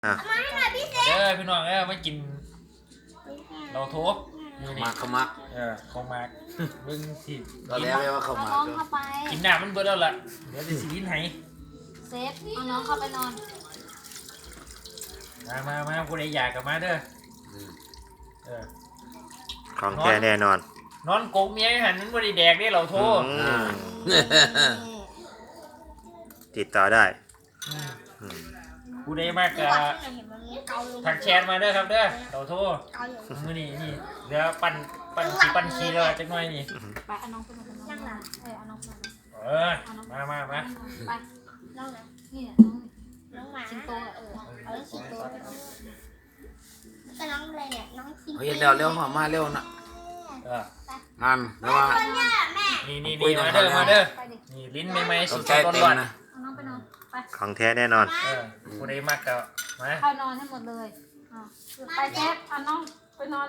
อ่ะพี่น้องมากินเราโทบนี่มักเขามักของมากมึงสิตอนแรกเรียกว่าเขาเอามักน้องเข้าไปกินน้ำมันเบิดแล้วล่ะเดี๋ยวจะสีลิ้นไหเซฟเอาน้องเข้าไปนอนมาผู้ใดอยากกับมาเด้อเของแท้แน่นอนนอนโกงเมียหันมันบ่ได้แดกได้เราโทอืมติดต่อได้อืมผู้ใดมากก็ทักแชทมาเด้อครับเด้อเราโทมื้อนี้นี่เดี๋ยวปั่นขี้แล้วจักหน่อยนี่ไปเอาน้องไปนอนนั่งหลังเอาน้องไปนอนมาไปน้องนะนี่น้องหมาสิงโตเอาสิงโตไปนอนก็น้องอะไรเนี่ยน้องคิงเฮ้ยเร็วมาเร็วนะนั่นแล้วว่านี่มาเด้อไปดินี่ลิ้นใหม่ๆต้สุองดใจๆร้เต็มอนนะเอาน้องไปนอนไปของแท้แน่นอนๆผู้ใดมากก็มาเข้านอนให้หมดเลยไปเซฟเอาน้องไปนอน